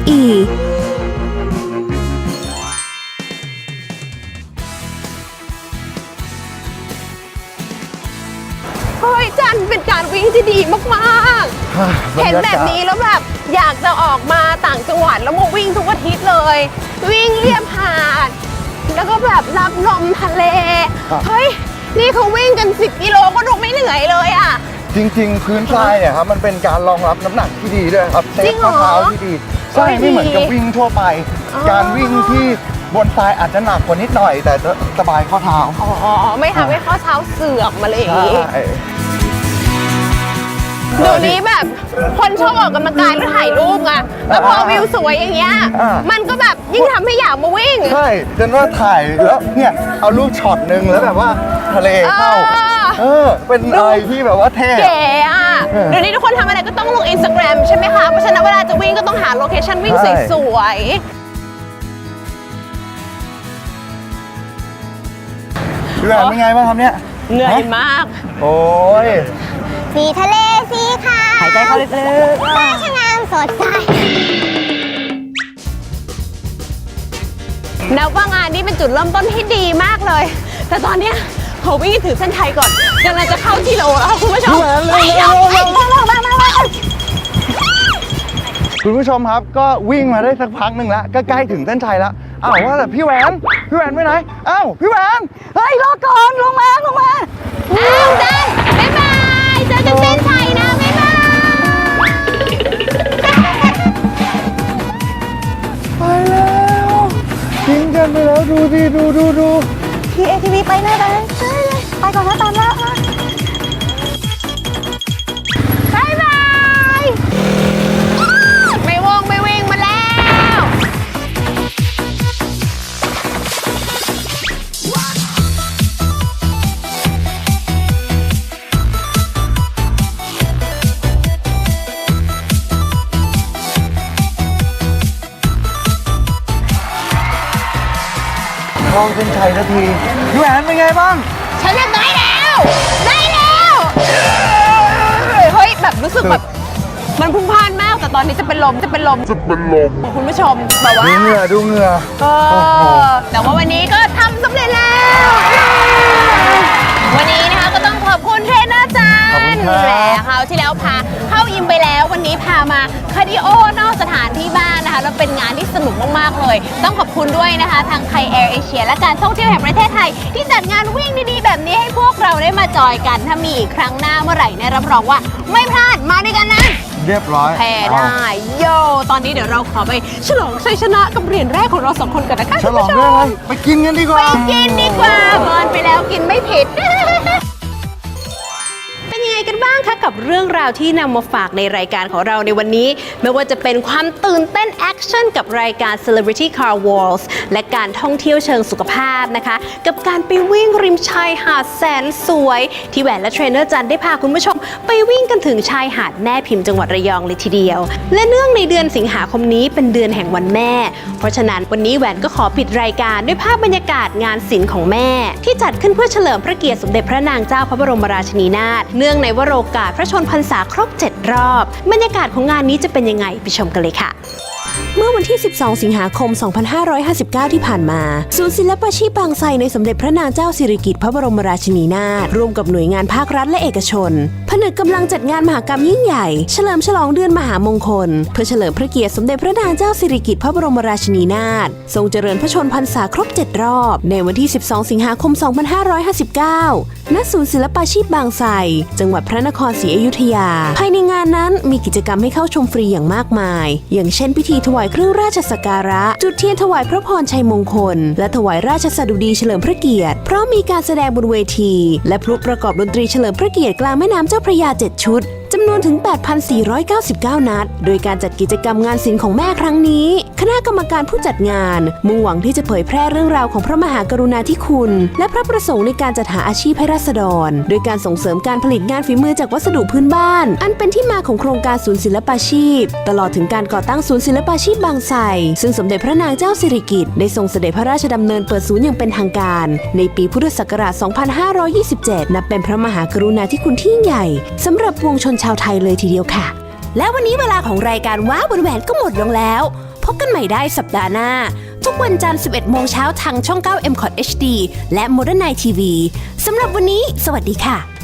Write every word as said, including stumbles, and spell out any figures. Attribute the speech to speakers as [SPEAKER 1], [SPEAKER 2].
[SPEAKER 1] อีก
[SPEAKER 2] เฮ้ยจันเป็นการวิ่งที่ดีมากๆ เห็นแบบนี้แล้วแบบอยากจะออกมาต่างจังหวัดแล้วมาวิ่งทุกอาทิตย์เลย วิ่งเลียบหาดแล้วก็แบบรับลมทะเลเฮ้ยนี่เขาวิ่งกันสิบกิโลก็ดูไม่เหนื่อยเลยอ่ะ
[SPEAKER 3] จริงๆพื้นทรายเนี่ยครับมันเป็นการรองรับน้ำหนักที่ดีด้วยครับเซฟข้อเท้าที่ดีใช่ไม่เหมือนกับวิ่งทั่วไป การวิ่งที่บนทรายอาจจะหนักกว่านิดหน่อยแต่สบายข้อเท้า
[SPEAKER 2] อ๋อไม่ทำให้ข้อเท้าเสื่อมมาเลยอย่างนี้เดี๋ยวนี้แบบคนชอบออกกำลังกายแล้วถ่ายรูปไงแล้วพอวิวสวยอย่างเงี้ยมันก็แบบยิ่งทำให้อยากมาวิ่ง
[SPEAKER 3] ใช่จนว่าถ่ายแล้วเนี่ยเอารูปช็อตหนึ่งแล้วแบบว่าทะเลเข้าเออเป็นอะไรที่แบบว่าเท่
[SPEAKER 2] เก๋อะเดี๋ยวนี้ทุกคนทำอะไรก็ต้องลงอินสตาแกรมใช่ไหมคะเพราะฉะนั้นเวลาจะวิ่งก็ต้องหาโลเคชั่นวิ่งสวย
[SPEAKER 3] ๆพี่แหวนเป็นไงบ้างครับเนี่ย
[SPEAKER 2] เหนื่อยมาก
[SPEAKER 3] โอ้ย
[SPEAKER 4] สีทะเลสีขาว
[SPEAKER 2] หายใจเข้าลึก
[SPEAKER 4] ๆฟ้าช่างงามสดใส
[SPEAKER 2] นับว่างานนี้เป็นจุดเริ่มต้นที่ดีมากเลยแต่ตอนเนี้ยเขาวิ่งถือเส้นชัยก่อนกำลังจะเข้าที่โลแล้วคุณผู้ชมไปเร็วไปเร็ว
[SPEAKER 3] คุณผู้ชมครับก็วิ่งมาได้สักพักหนึ่งแล้วก็ใกล้ถึงเส้นชัยแล้วอ้าวว่าแต่พี่แหวนพี่แหวนไปไหนอ้าวพี่แหวน
[SPEAKER 2] เฮ้ยรอก่อนลงมาลงมาอ้าวเดินบ๊ายบายเจอกันเส้นชัยนะบ๊ายบาย
[SPEAKER 3] ไปแล้วทิ้งกันไปแล้วดูดิดูดูดู
[SPEAKER 4] ทีเอทีวีไปเลยไปเลยไปก่อนนะตามแล้วนะ
[SPEAKER 2] บ๊ายบายไม่วงไม่วิ่งมาแล้ว
[SPEAKER 3] เข้าเส้นชัยสักทีพี่แหวนเป็นไงบ้าง
[SPEAKER 2] ฉันเรียบร้อยแล้วได้แล้วเฮ้ยแบบรู้สึกแบบมันพุ่งพล่านมากแต่ตอนนี้จะเป็นลมจะเป็นลมจะเป็นลมคุณผู้ชมแบบว่า
[SPEAKER 3] ดูเหงื่อดูเหงื่อ
[SPEAKER 2] เออแต่ว่าวันนี้ก็ทำสำเร็จแล้ววันนี้นะคะก็ต้องขอบคุณเทรนเนอร์จันแหละเขาที่แล้วพาเข้ายิมไปแล้ววันนี้พามาคาร์ดิโอนอกสถานที่บ้านนะคะแล้วเป็นงานที่สนุกมากๆเลยต้องขอบคุณด้วยนะคะทางไทยแอร์เอเชียและการท่องเที่ยวแห่งประเทศไทยที่จัดงานวิ่งดีๆแบบนี้ให้พวกเราได้มาจอยกันถ้ามีอีกครั้งหน้าเมื่อไหร่เนี่ยรับรองว่าไม่พลาดมาด้วยกันนะ
[SPEAKER 3] เรียบร้อย
[SPEAKER 2] แพ้ได้โยตอนนี้เดี๋ยวเราขอไปฉลองชัยชนะกับเหรียญแรกของเราสองคนกันนะคะ
[SPEAKER 3] ฉลองด้วยอะไรไปกินกันดีกว่า
[SPEAKER 2] ไปกินดีกว่าเบิร์นไปแล้วกินไม่ผิดเป็นยังไงกันบ้างคะกับเรื่องราวที่นำมาฝากในรายการของเราในวันนี้ไม่ว่าจะเป็นความตื่นเต้นแอคชั่นกับรายการ Celebrity Car Wars และการท่องเที่ยวเชิงสุขภาพนะคะกับการไปวิ่งริมชายหาดแสนสวยที่แหวนและเทรนเนอร์จันได้พาคุณผู้ชมไปวิ่งกันถึงชายหาดแม่พิมพ์จังหวัดระยองเลยทีเดียวและเนื่องในเดือนสิงหาคมนี้เป็นเดือนแห่งวันแม่เพราะฉะนั้นวันนี้แหวนก็ขอปิดรายการด้วยภาพบรรยากาศงานศิลป์ของแม่ที่จัดขึ้นเพื่อเฉลิมพระเกียรติสมเด็จพระนางเจ้าพระบรมราชินีนาถเนื่องในวโรกาสพระชนพรรษาครบเจ็ดรอบบรรยากาศของงานนี้จะเป็นยังไงไปชมกันเลยค่ะเมื่อวันที่สิบสองสิงหาคมสองพันห้าร้อยห้าสิบเก้าที่ผ่านมาศูนย์ศิลปาชีพบางไทรในสมเด็จพระนางเจ้าสิริกิติ์พระบรมราชินีนาถร่วมกับหน่วยงานภาครัฐและเอกชนผนึกกำลังจัดงานมหกรรมยิ่งใหญ่เฉลิมฉลองเดือนมหามงคลเพื่อเฉลิมพระเกียรติสมเด็จพระนางเจ้าสิริกิติ์พระบรมราชินีนาถทรงเจริญพระชนพรรษาครบเจ็ดรอบในวันที่สิบสองสิงหาคมสองพันห้าร้อยห้าสิบเก้าณศูนย์ศิลปาชีพบางไทรจังหวัดพระนครศรีอยุธยาภายในงานนั้นมีกิจกรรมให้เข้าชมฟรีอย่างมากมายอย่างเช่นพิธีถวายเครื่องราชสักการะจุดเทียนถวายพระพรชัยมงคลและถวายราชสดุดีเฉลิมพระเกียรติพร้อมมีการแสดงบนเวทีและพลุประกอบดนตรีเฉลิมพระเกียรติกลางแม่น้ำเจ้าพระยาเจ็ดชุดจำนวนถึง แปดพันสี่ร้อยเก้าสิบเก้า นัดโดยการจัดกิจกรรมงานศิลป์ของแม่ครั้งนี้คณะกรรมการผู้จัดงานมุ่งหวังที่จะเผยแพร่เรื่องราวของพระมหากรุณาธิคุณและพระประสงค์ในการจัดหาอาชีพให้ราษฎรโดยการส่งเสริมการผลิตงานฝีมือจากวัสดุพื้นบ้านอันเป็นที่มาของโครงการศูนย์ศิลปาชีพตลอดถึงการก่อตั้งศูนย์ศิลปาชีพบางไทรซึ่งสมเด็จพระนางเจ้าสิริกิติ์ได้ทรงเสด็จพระราชดำเนินเปิดศูนย์อย่างเป็นทางการในปีพุทธศักราช สองพันห้าร้อยยี่สิบเจ็ด นับเป็นพระมหากรุณาธิคุณที่ยิ่งใหญ่สำหรับปวงชนชาวไทยเลยทีเดียวค่ะและวันนี้เวลาของรายการว้าวบนแหวนก็หมดลงแล้วพพบกันใหม่ได้สัปดาห์หน้า ทุกวันจันทร์ สิบเอ็ดโมงเช้าทางช่อง เก้า เอ็ม ซี โอ ที เอช ดี และ Modern Night ที วี สำหรับวันนี้ สวัสดีค่ะ